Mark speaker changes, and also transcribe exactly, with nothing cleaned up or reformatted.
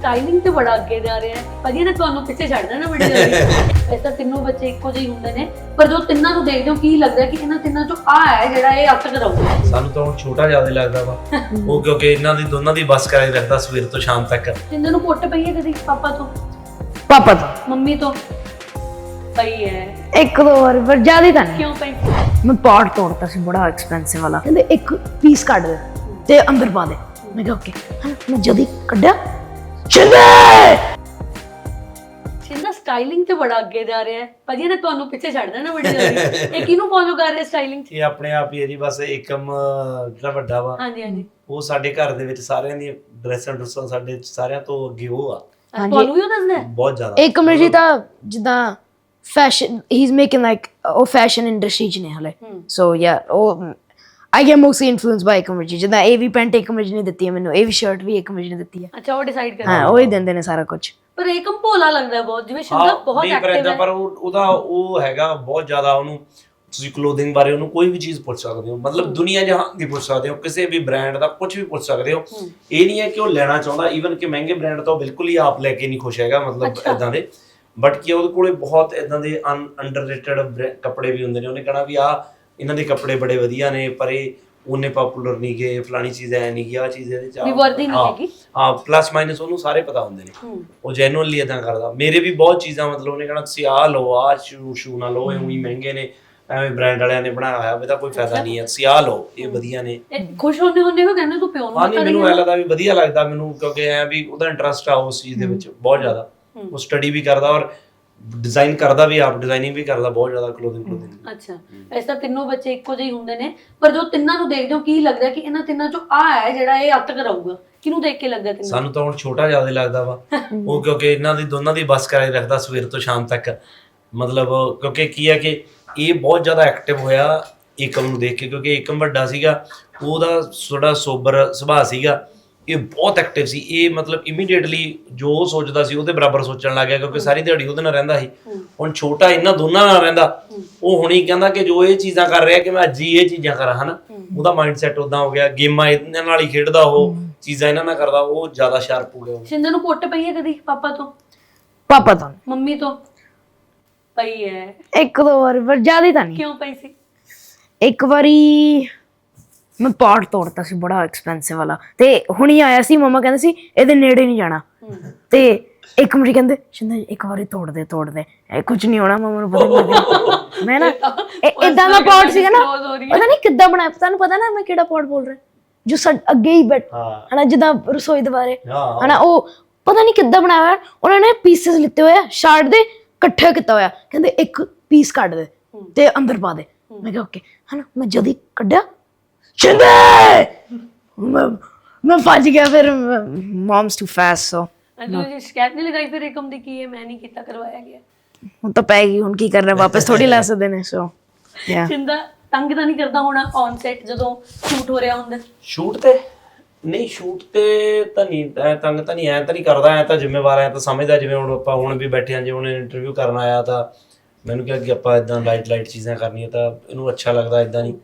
Speaker 1: Styling ਤੇ ਬੜਾ ਅੱਗੇ ਜਾ ਰਿਹਾ ਹੈ ਭਾਜੀ ਨੇ ਤੁਹਾਨੂੰ ਪਿੱਛੇ ਛੱਡ ਦੇਣਾ ਬੜੀ ਜਲਦੀ। ਐਸਾ ਤਿੰਨੋਂ ਬੱਚੇ ਇੱਕੋ ਜਿਹੇ ਹੁੰਦੇ ਨੇ ਪਰ ਜੋ ਤਿੰਨਾਂ ਨੂੰ ਦੇਖਦੇ ਹੋ ਕੀ ਲੱਗਦਾ ਕਿ ਇਹਨਾਂ ਤਿੰਨਾਂ ਚੋਂ ਆ ਹੈ ਜਿਹੜਾ ਇਹ ਅੱਤ ਕਰਾਊਗਾ।
Speaker 2: ਸਾਨੂੰ ਤਾਂ ਹੁਣ ਛੋਟਾ ਜ਼ਿਆਦਾ ਲੱਗਦਾ ਵਾ ਉਹ ਕਿਉਂਕਿ ਇਹਨਾਂ ਦੀ ਦੋਨਾਂ ਦੀ ਬੱਸ ਕਰਾਈ ਰੱਖਦਾ ਸਵੇਰ ਤੋਂ ਸ਼ਾਮ ਤੱਕ।
Speaker 1: ਤਿੰਨਾਂ ਨੂੰ ਕੁੱਟ ਪਈ ਹੈ ਕਦੀ ਪਾਪਾ ਤੋਂ
Speaker 3: ਪਾਪਾ ਤੋਂ
Speaker 1: ਮੰਮੀ ਤੋਂ ਪਈ ਹੈ
Speaker 3: ਇੱਕ ਦੋ ਵਾਰ ਪਰ ਜ਼ਿਆਦਾ ਤਾਂ ਨਹੀਂ।
Speaker 1: ਕਿਉਂ ਪਈ?
Speaker 3: ਮੈਂ ਪਾਰਟ ਤੋੜਤਾ ਸੀ ਬੜਾ ਐਕਸਪੈਂਸਿਵ ਵਾਲਾ, ਕਹਿੰਦੇ ਇੱਕ ਪੀਸ ਕੱਢ ਦੇ ਤੇ ਅੰਦਰ ਪਾ ਦੇ। ਮੈਂ ਕਿਹਾ ਓਕੇ, ਮੈਂ ਜਦੀ ਕੱਢਿਆ ਚੰਦੇ
Speaker 1: ਸਿੰਦਾ ਸਟਾਈਲਿੰਗ ਤੇ ਬੜਾ ਅੱਗੇ ਜਾ ਰਿਹਾ ਹੈ ਭਾਜੀ ਨੇ ਤੁਹਾਨੂੰ ਪਿੱਛੇ ਛੱਡ ਦੇਣਾ ਬੜੀ ਜਲਦੀ। ਇਹ ਕਿਹਨੂੰ ਫੋਲੋ ਕਰ ਰਿਹਾ ਸਟਾਈਲਿੰਗ?
Speaker 2: ਇਹ ਆਪਣੇ ਆਪ ਹੀ ਹੈ ਜੀ, ਬਸ ਏਕਮ ਜਿਹੜਾ ਵੱਡਾ ਵਾ
Speaker 1: ਹਾਂਜੀ ਹਾਂਜੀ
Speaker 2: ਉਹ ਸਾਡੇ ਘਰ ਦੇ ਵਿੱਚ ਸਾਰਿਆਂ ਦੀ ਡਰੈਸਾਂ ਡਰੈਸਾਂ ਸਾਡੇ ਸਾਰਿਆਂ ਤੋਂ ਅੱਗੇ ਉਹ ਆ,
Speaker 1: ਤੁਹਾਨੂੰ ਵੀ ਉਹ ਦੱਸਦਾ ਹੈ?
Speaker 2: ਬਹੁਤ ਜ਼ਿਆਦਾ।
Speaker 3: ਇੱਕ ਮਿੰਟ ਜੀ ਤਾਂ ਜਿੱਦਾਂ ਫੈਸ਼ਨ ਹੀ ਇਜ਼ ਮੇਕਿੰਗ ਲਾਈਕ ਉਹ ਫੈਸ਼ਨ ਇੰਡਸਟਰੀ ਚ ਨੇ ਹਲੇ। ਸੋ ਯਾ ਉਹ I get mostly influence by Ekam ji. ਜਿੱਦਾਂ ਇਹ ਵੀ ਪੈਂਟ ਏਕਮ ਜੀ ਨੇ ਦਿੱਤੀ ਹੈ ਮੈਨੂੰ, ਇਹ ਵੀ ਸ਼ਰਟ ਵੀ ਏਕਮ ਜੀ ਨੇ ਦਿੱਤੀ ਹੈ।
Speaker 1: ਅੱਛਾ ਉਹ ਡਿਸਾਈਡ ਕਰ
Speaker 3: ਹਾਂ ਉਹ ਹੀ ਦਿੰਦੇ ਨੇ ਸਾਰਾ ਕੁਝ।
Speaker 1: ਪਰ ਏਕਮ ਭੋਲਾ ਲੱਗਦਾ ਬਹੁਤ, ਜਿਵੇਂ ਸ਼ਿੰਦਾ ਬਹੁਤ
Speaker 2: ਨਹੀਂ ਪਰ
Speaker 1: ਐਕਟਿਵ
Speaker 2: ਏਦਾਂ
Speaker 1: ਹੈ।
Speaker 2: ਪਰ ਉਹ- ਉਹਦਾ ਉਹ ਹੈਗਾ ਬਹੁਤ ਜ਼ਿਆਦਾ, ਉਹਨੂੰ ਤੁਸੀਂ ਕਲੋਥਿੰਗ ਬਾਰੇ ਉਹਨੂੰ ਕੋਈ ਵੀ ਚੀਜ਼ ਪੁੱਛ ਸਕਦੇ ਹੋ, ਮਤਲਬ ਦੁਨੀਆ ਜਹਾਨ ਦੀ ਪੁੱਛ ਸਕਦੇ ਹੋ, ਕਿਸੇ ਵੀ ਬ੍ਰਾਂਡ ਦਾ ਕੁਝ ਵੀ ਪੁੱਛ ਸਕਦੇ ਹੋ। ਇਹ ਨਹੀਂ ਹੈ ਕਿ ਉਹ ਲੈਣਾ ਚਾਹੁੰਦਾ, ਈਵਨ ਕਿ ਮਹਿੰਗੇ ਬ੍ਰਾਂਡ ਤਾਂ ਉਹ ਬਿਲਕੁਲ ਹੀ ਆਪ ਲੈ ਕੇ ਨਹੀਂ ਖੁਸ਼ ਹੈਗਾ, ਮਤਲਬ ਇਦਾਂ ਦੇ। ਬਟ ਕਿ ਉਹਦੇ ਕੋਲੇ ਬਹੁਤ ਇਦਾਂ ਦੇ ਅੰਡਰਰੇਟਡ ਕੱਪੜੇ ਵੀ ਹੁੰਦੇ ਨੇ। ਉਹਨੇ ਕਹਣਾ ਵੀ ਆ ਇਹਨਾਂ ਦੇ ਕੱਪੜੇ ਬੜੇ ਵਧੀਆ ਨੇ ਪਰ ਇਹ ਉਹਨੇ ਪਪੂਲਰ ਨਹੀਂ ਗਏ, ਫਲਾਣੀ ਚੀਜ਼ ਐ ਨਹੀਂ ਗਈ, ਆ ਚੀਜ਼ ਇਹਦੇ ਚ
Speaker 1: ਵੀ ਵਰਦੀ ਨਹੀਂ ਹੈਗੀ।
Speaker 2: ਹਾਂ ਪਲੱਸ ਮਾਈਨਸ ਉਹਨੂੰ ਸਾਰੇ ਪਤਾ ਹੁੰਦੇ ਨੇ, ਉਹ ਜੈਨੂਅਲੀ ਇਦਾਂ ਕਰਦਾ। ਮੇਰੇ ਵੀ ਬਹੁਤ ਚੀਜ਼ਾਂ ਮਤਲਬ ਉਹਨੇ ਕਹਣਾ ਤੁਸੀਂ ਆਹ ਲਓ, ਆਹ ਸ਼ੂ ਸ਼ੂ ਨਾ ਲਓ, ਇਹ ਉਹੀ ਮਹਿੰਗੇ ਨੇ, ਐਵੇਂ ਬ੍ਰਾਂਡ ਵਾਲਿਆਂ ਨੇ ਬਣਾਇਆ ਹੋਇਆ, ਇਹਦਾ ਕੋਈ ਫਾਇਦਾ ਨਹੀਂ ਹੈ, ਤੁਸੀਂ ਆਹ ਲਓ ਇਹ ਵਧੀਆ ਨੇ।
Speaker 1: ਖੁਸ਼ ਹੁੰਦੇ ਹੁੰਦੇ ਉਹ ਕਹਿੰਦੇ ਤੂੰ ਪਿਓ ਨੂੰ
Speaker 2: ਹਾਂ ਨਹੀਂ ਮੈਨੂੰ ਐ ਲੱਗਦਾ ਵੀ ਵਧੀਆ ਲੱਗਦਾ ਮੈਨੂੰ, ਕਿਉਂਕਿ ਐ ਵੀ ਉਹਦਾ ਇੰਟਰਸਟ ਆ ਉਸ ਚੀਜ਼ ਦੇ ਵਿੱਚ ਬਹੁਤ ਜ਼ਿਆਦਾ। ਉਹ ਸਟੱਡੀ ਵੀ ਕਰਦਾ ਔਰ ਡਿਜ਼ਾਈਨ ਕਰਦਾ ਵੀ, ਆਪ ਡਿਜ਼ਾਈਨਿੰਗ ਵੀ ਕਰਦਾ ਬਹੁਤ ਜ਼ਿਆਦਾ ਕਲੋਥਿੰਗ ਕਲੋਥਿੰਗ।
Speaker 1: ਅੱਛਾ ਐਸਾ ਤਿੰਨੋਂ ਬੱਚੇ ਇੱਕੋ ਜਿਹੇ ਹੁੰਦੇ ਨੇ ਪਰ ਜੋ ਤਿੰਨਾਂ ਨੂੰ ਦੇਖਦੇ ਹੋ ਕੀ ਲੱਗਦਾ ਕਿ ਇਹਨਾਂ ਤਿੰਨਾਂ ਚੋਂ ਆ ਹੈ ਜਿਹੜਾ ਇਹ ਅੱਤ ਕਰਾਊਗਾ? ਕਿਹਨੂੰ ਦੇਖ ਕੇ ਲੱਗਦਾ ਤਿੰਨਾਂ?
Speaker 2: ਸਾਨੂੰ ਤਾਂ ਹੁਣ ਛੋਟਾ ਜ਼ਿਆਦਾ ਲੱਗਦਾ ਵਾ ਉਹ ਕਿਉਂਕਿ ਇਹਨਾਂ ਦੀ ਦੋਨਾਂ ਦੀ ਬੱਸ ਕਰਾਈ ਰੱਖਦਾ ਸਵੇਰ ਤੋਂ ਸ਼ਾਮ ਤੱਕ। ਮਤਲਬ ਕਿਉਂਕਿ ਕੀ ਹੈ ਕਿ ਇਹ ਬਹੁਤ ਜ਼ਿਆਦਾ ਐਕਟਿਵ ਹੋਇਆ ਏਕਮ ਨੂੰ ਦੇਖ ਕੇ, ਕਿਉਂਕਿ ਏਕਮ ਵੱਡਾ ਸੀਗਾ, ਉਹਦਾ ਥੋੜਾ ਸੋਬਰ ਸੁਭਾਅ ਸੀਗਾ, ਇਹ ਬਹੁਤ ਐਕਟਿਵ ਸੀ। ਇਹ ਮਤਲਬ ਇਮੀਡੀਏਟਲੀ ਜੋ ਉਹ ਸੋਚਦਾ ਸੀ ਉਹਦੇ ਬਰਾਬਰ ਸੋਚਣ ਲੱਗ ਗਿਆ, ਕਿਉਂਕਿ ਸਾਰੀ ਦਿਹਾੜੀ ਉਹਦੇ ਨਾਲ ਰਹਿੰਦਾ ਸੀ। ਹੁਣ ਛੋਟਾ ਇਹਨਾਂ ਦੋਨਾਂ ਨਾਲ ਰਹਿੰਦਾ, ਉਹ ਹੁਣੀ ਕਹਿੰਦਾ ਕਿ ਜੋ ਇਹ ਚੀਜ਼ਾਂ ਕਰ ਰਿਹਾ ਕਿ ਮੈਂ ਅੱਜ ਹੀ ਇਹ ਚੀਜ਼ਾਂ ਕਰਾਂ, ਹਨਾ। ਉਹਦਾ ਮਾਈਂਡ ਸੈਟ ਉਦਾਂ ਹੋ ਗਿਆ, ਗੇਮਾਂ ਇਹਨਾਂ ਨਾਲ ਹੀ ਖੇਡਦਾ, ਉਹ ਚੀਜ਼ਾਂ ਇਹਨਾਂ ਨਾਲ ਕਰਦਾ, ਉਹ ਜ਼ਿਆਦਾ ਸ਼ਾਰਪ ਹੋ ਗਿਆ।
Speaker 1: ਸਿੰਦਾ ਨੂੰ ਕੁੱਟ ਪਈ ਹੈ ਕਦੀ ਪਾਪਾ ਤੋਂ
Speaker 3: ਪਾਪਾ ਤੋਂ
Speaker 1: ਮੰਮੀ ਤੋਂ ਪਈ ਹੈ?
Speaker 3: ਇੱਕ ਦੋ ਵਾਰ ਪਰ ਜ਼ਿਆਦਾ ਤਾਂ ਨਹੀਂ।
Speaker 1: ਕਿਉਂ ਪਈ ਸੀ?
Speaker 3: ਇੱਕ ਵਾਰੀ ਮੈਂ ਪਾਰਟ ਤੋੜਤਾ ਸੀ ਬੜਾ ਐਕਸਪੈਂਸਿਵ ਵਾਲਾ, ਤੇ ਹੁਣੀ ਆਇਆ ਸੀ, ਮਮਾ ਕਹਿੰਦੇ ਸੀ ਇਹਦੇ ਨੇੜੇ ਨਹੀਂ ਜਾਣਾ, ਤੇ ਇੱਕ ਮਿੰਟ ਕਹਿੰਦੇ ਸ਼ਿੰਦਾ ਇੱਕ ਵਾਰੀ ਤੋੜ ਦੇ ਤੋੜ ਦੇ ਇਹ ਕੁਝ ਨਹੀਂ ਹੋਣਾ। ਮਮਾ ਨੂੰ ਪਤਾ ਨਹੀਂ ਲੱਗਿਆ ਮੈਂ ਨਾ ਇਦਾਂ ਦਾ ਪਾਰਟ ਸੀਗਾ ਨਾ, ਪਤਾ ਨਹੀਂ ਕਿੱਦਾਂ ਬਣਾਇਆ, ਤੁਹਾਨੂੰ ਪਤਾ ਨਾ ਮੈਂ ਕਿਹੜਾ ਪਾਰਟ ਬੋਲ ਰਿਹਾ, ਜੋ ਅੱਗੇ ਹੀ ਬੈਠ ਹਨਾ ਜਿੱਦਾਂ ਰਸੋਈ ਦੇ ਬਾਰੇ ਹਨਾ, ਉਹ ਪਤਾ ਨਹੀਂ ਕਿੱਦਾਂ ਬਣਾਇਆ ਹੋਇਆ। ਉਹਨਾਂ ਨੇ ਪੀਸਸ ਲਿੱਤੇ ਹੋਏ ਆ ਸ਼ਾਰਟ ਦੇ, ਇਕੱਠਾ ਕੀਤਾ ਹੋਇਆ, ਕਹਿੰਦੇ ਇੱਕ ਪੀਸ ਕੱਢ ਦੇ ਤੇ ਅੰਦਰ ਪਾ ਦੇ। ਮੈਂ ਕਿਹਾ ਓਕੇ, ਹਨਾ ਮੈਂ ਜਦੀ ਕੱਢਿਆ ਚੰਦੇ ਮੈਂ ਮੈਂ ਫਸ ਗਿਆ। ਫਿਰ ਮਮਸ ਟੂ ਫਾਸਟ, ਸੋ
Speaker 1: ਤੁਸੀਂ ਸ਼ਿਕਾਇਤ ਨਹੀਂ ਲਗਾਈ ਫਿਰ ਏਕਮ ਦੀ ਕੀ ਹੈ ਮੈਂ ਨਹੀਂ ਕੀਤਾ ਕਰਵਾਇਆ ਗਿਆ?
Speaker 3: ਹੁਣ ਤਾਂ ਪੈ ਗਈ, ਹੁਣ ਕੀ ਕਰਨਾ, ਵਾਪਸ ਥੋੜੀ ਲੈ ਸਕਦੇ ਨੇ। ਸੋ ਯਾ
Speaker 1: ਸਿੰਦਾ ਤੰਗ ਤਾਂ ਨਹੀਂ ਕਰਦਾ ਹੋਣਾ ਔਨ ਸੈਟ ਜਦੋਂ ਸ਼ੂਟ ਹੋ ਰਿਹਾ ਹੁੰਦਾ?
Speaker 2: ਸ਼ੂਟ ਤੇ ਨਹੀਂ, ਸ਼ੂਟ ਤੇ ਤਾਂ ਨਹੀਂ ਐ ਤੰਗ ਤਾਂ ਨਹੀਂ, ਐ ਤਾਂ ਨਹੀਂ ਕਰਦਾ, ਐ ਤਾਂ ਜ਼ਿੰਮੇਵਾਰ ਐ ਤਾਂ ਸਮਝਦਾ। ਜਿਵੇਂ ਹੁਣ ਆਪਾਂ ਹੁਣ ਵੀ ਬੈਠੇ ਹਾਂ, ਜੇ ਉਹਨੇ ਇੰਟਰਵਿਊ ਕਰਨ ਆਇਆ ਤਾਂ ਮੈਨੂੰ ਕਿਹਾ ਕਿ ਆਪਾਂ ਇਦਾਂ ਲਾਈਟ ਲਾਈਟ ਚੀਜ਼ਾਂ ਕਰਨੀਆਂ, ਤਾਂ ਇਹਨੂੰ ਅੱਛਾ ਲੱਗਦਾ ਇਦਾਂ ਨਹੀਂ।